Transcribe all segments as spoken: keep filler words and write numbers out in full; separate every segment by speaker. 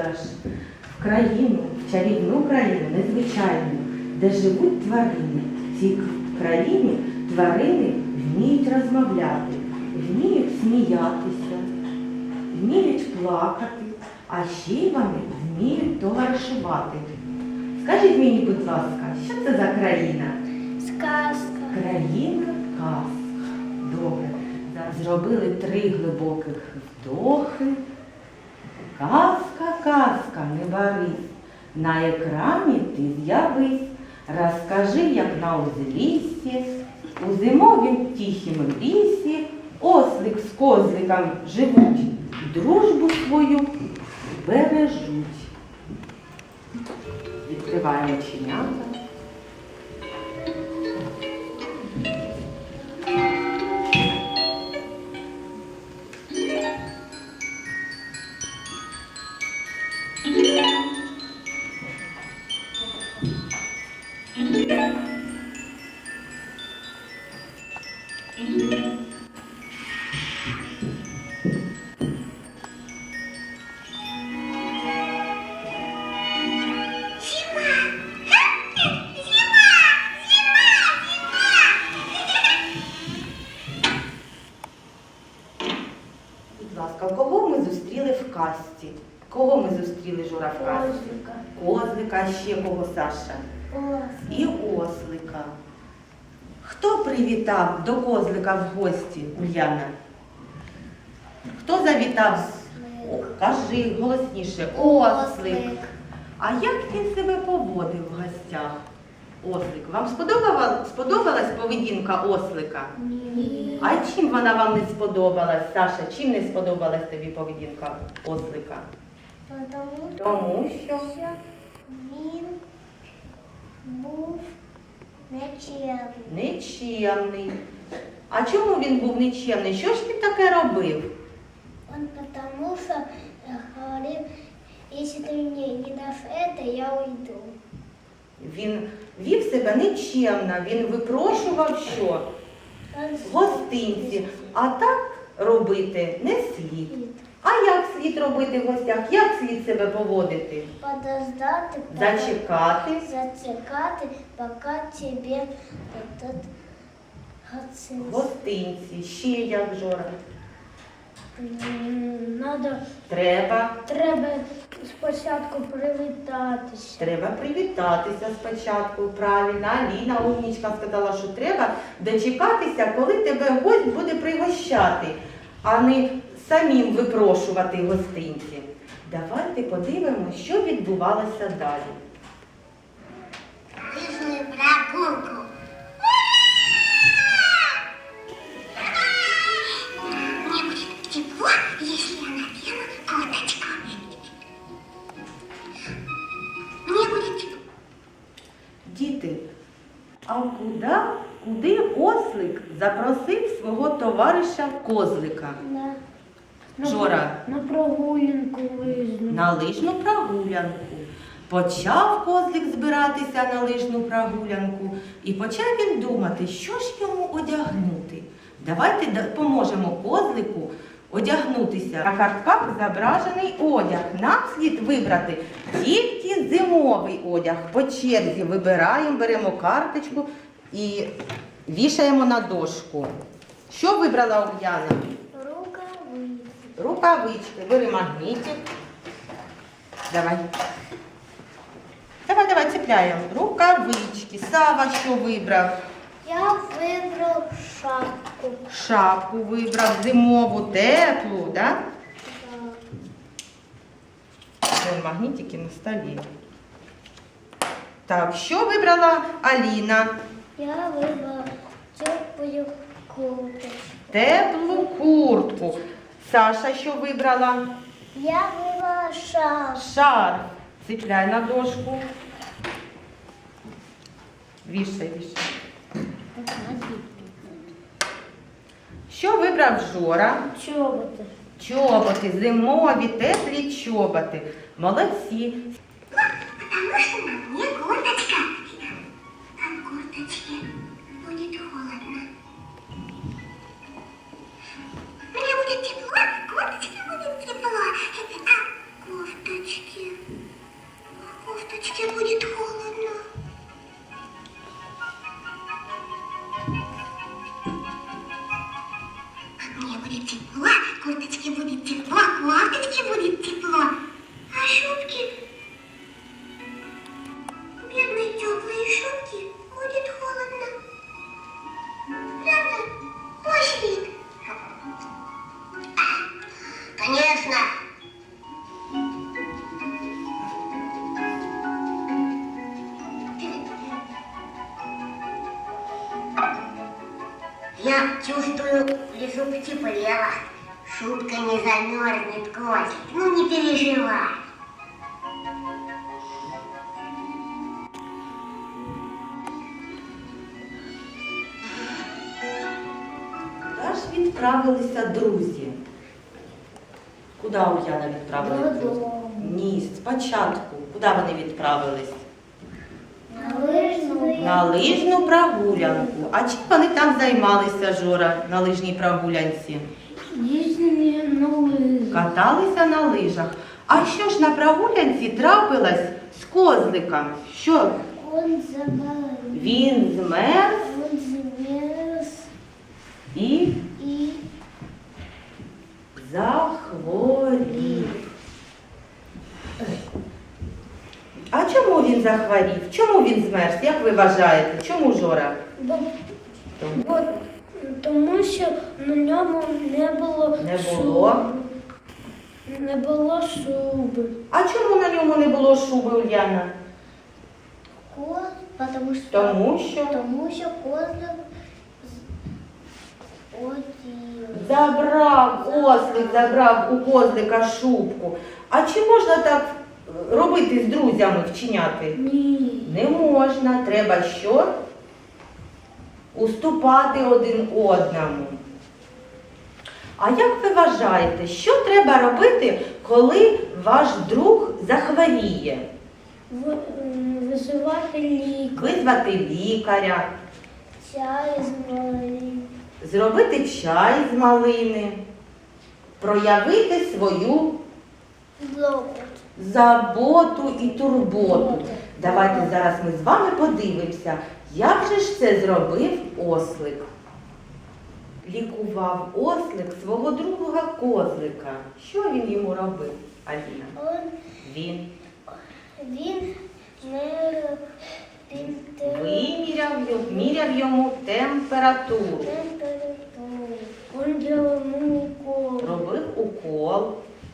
Speaker 1: подорож в країну, в чарівну країну, незвичайну, де живуть тварини. В цій країні тварини вміють розмовляти, вміють сміятися, вміють плакати, а ще й вони вміють товаришувати. Скажіть мені, будь ласка, що це за країна?
Speaker 2: Сказка.
Speaker 1: Країна казка. Добре. Зробили три глибоких вдохи. Казка, казка, не барись, на екрані ти з'явись. Розкажи, як на узліссі, у зимовім тихім лісі ослик з козликом живуть, дружбу свою бережуть. Відкриваємо оченята. Кого ми зустріли в казці? Кого ми зустріли, Жора, в казці?
Speaker 2: Козлика.
Speaker 1: Козлика, а ще кого, Саша?
Speaker 2: Ослик.
Speaker 1: І ослика. Хто привітав до козлика в гості, Ульяна? Хто завітав? О, кажи голосніше. Ослик. А як він себе поводив в гостях? Ослик. Вам сподобалась, сподобалась поведінка ослика?
Speaker 2: Ні.
Speaker 1: А чим вона вам не сподобалась, Саша? Чим не сподобалась тобі поведінка ослика?
Speaker 2: Тому,
Speaker 1: Тому що
Speaker 2: що він був нечемний.
Speaker 1: нечемний. А чому він був нечемний? Що ж він таке робив?
Speaker 2: Он потому что э, говорил, если ты мне не дашь это, я уйду.
Speaker 1: Він вів себе нечемно, він випрошував що?
Speaker 2: Он
Speaker 1: Гостинці. А так робити не слід. А як слід робити в гостях? Як слід себе поводити?
Speaker 2: подождати,
Speaker 1: Зачекати.
Speaker 2: зачекати, поки тебе этот гостинці.
Speaker 1: Гостинці. Ще як, Жора?
Speaker 2: М, Надо,
Speaker 1: Треба.
Speaker 2: треба спочатку привітатися.
Speaker 1: Треба привітатися спочатку, правильно. Аліна, умнічка, сказала, що треба дочекатися, коли тебе гость буде пригощати, а не самим випрошувати гостинці. Давайте подивимося, що відбувалося далі.
Speaker 2: Лижную прогулку.
Speaker 3: Мне будет тепло, если я надену курточку. Мне будет тепло.
Speaker 1: Діти, а куди, куди ослик запросив свого товариша козлика?
Speaker 2: На,
Speaker 1: Жора.
Speaker 2: на прогулянку лижну.
Speaker 1: На лижну прогулянку. Почав козлик збиратися на лижну прогулянку і почав він думати, що ж йому одягнути. Давайте допоможемо козлику одягнутися. На картках зображений одяг. Нам слід вибрати тільки зимовий одяг. По черзі вибираємо, беремо карточку і вішаємо на дошку. Що вибрала Ульяна?
Speaker 2: Рукавиці.
Speaker 1: Рукавички. Бери магнітик. Давай. Давай, давай, цепляємо. Рукавички. Сава що вибрав?
Speaker 2: Я вибрав шапку.
Speaker 1: Шапку вибрав, зимову, теплу, да? Вон магнітики на столі. Так, що вибрала Аліна?
Speaker 2: Я вибрав теплу куртку.
Speaker 1: Теплу куртку. Саша що вибрала?
Speaker 2: Я вибрала шапку.
Speaker 1: Шарф. Цепляй на дошку. Вішай, вішай. Що вибрав Жора?
Speaker 2: Чоботи.
Speaker 1: Чоботи, зимові, теплі чоботи. Молодці.
Speaker 3: Потому что на мне курточка. А в курточке будет холодно. Мне будет тепло, в курточке будет тепло. А в кофточке Я чувствую, в лесу потеплело. Шутка не замерзнет, Козлик. Ну не переживай.
Speaker 1: Куди ж відправилися друзі? Куди Ульяна відправилася?
Speaker 2: Додому.
Speaker 1: Ні, спочатку. Куди вони відправились?
Speaker 2: На лыжную.
Speaker 1: На лижну прогулянку. А чим вони там займалися, Жора, на лижній прогулянці?
Speaker 2: Ездили на лыжах.
Speaker 1: Каталися на лижах. А що ж на прогулянці трапилось з козликом? Що?
Speaker 2: Он заболел.
Speaker 1: Він змерз
Speaker 2: Он замерз
Speaker 1: і
Speaker 2: и
Speaker 1: захворів. А чому він захворів? Чому він змерз? Як ви вважаєте? Чому, Жора?
Speaker 2: бо, бо, тому що на ньому не було
Speaker 1: Не було?
Speaker 2: шуби. Не було шуби.
Speaker 1: А чому на ньому не було шуби, Ульяна?
Speaker 2: Коз, потому що,
Speaker 1: Тому що
Speaker 2: тому що козлик одів.
Speaker 1: забрав, ослик забрав у козлика шубку. А чи можна так робити з друзями, вчиняти?
Speaker 2: Ні.
Speaker 1: Не можна. Треба що? Уступати один одному. А як ви вважаєте, що треба робити, коли ваш друг захворіє?
Speaker 2: В, м, визивати лік,
Speaker 1: Визвати лікаря,
Speaker 2: чай з малим.
Speaker 1: зробити чай з малини, проявити свою
Speaker 2: Злопот.
Speaker 1: заботу і турботу. Давайте зараз ми з вами подивимося, як же ж це зробив ослик. Лікував ослик свого друга козлика. Що він йому робив, Аліна?
Speaker 2: Он,
Speaker 1: Він
Speaker 2: він мер температуру.
Speaker 1: виміряв, йому- міряв йому температуру,
Speaker 2: Он делал ему укол
Speaker 1: робив укол,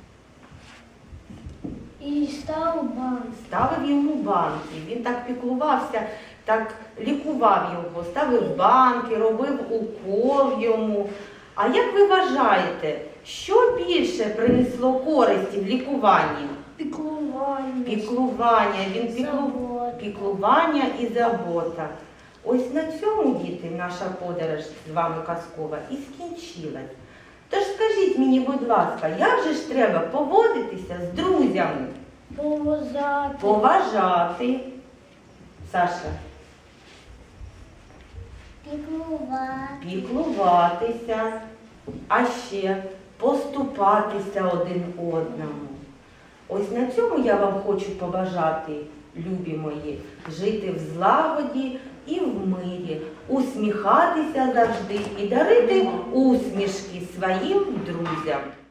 Speaker 2: и стал банк.
Speaker 1: ставив йому банки. Він так піклувався, так лікував його, ставив банки, робив укол йому. А як ви вважаєте, що більше принесло користі в лікуванні?
Speaker 2: Піклування.
Speaker 1: Піклування, він піклу...
Speaker 2: Забота.
Speaker 1: піклування і забота. Ось на цьому, діти, наша подорож з вами казкова і скінчилась. Тож скажіть мені, будь ласка, як же ж треба поводитися з друзями?
Speaker 2: Поважати.
Speaker 1: Поважати. Саша,
Speaker 2: Піклувати.
Speaker 1: піклуватися, а ще поступатися один одному. Ось на цьому я вам хочу побажати, любі мої, жити в злагоді і в мирі, усміхатися завжди і дарити усмішки своїм друзям.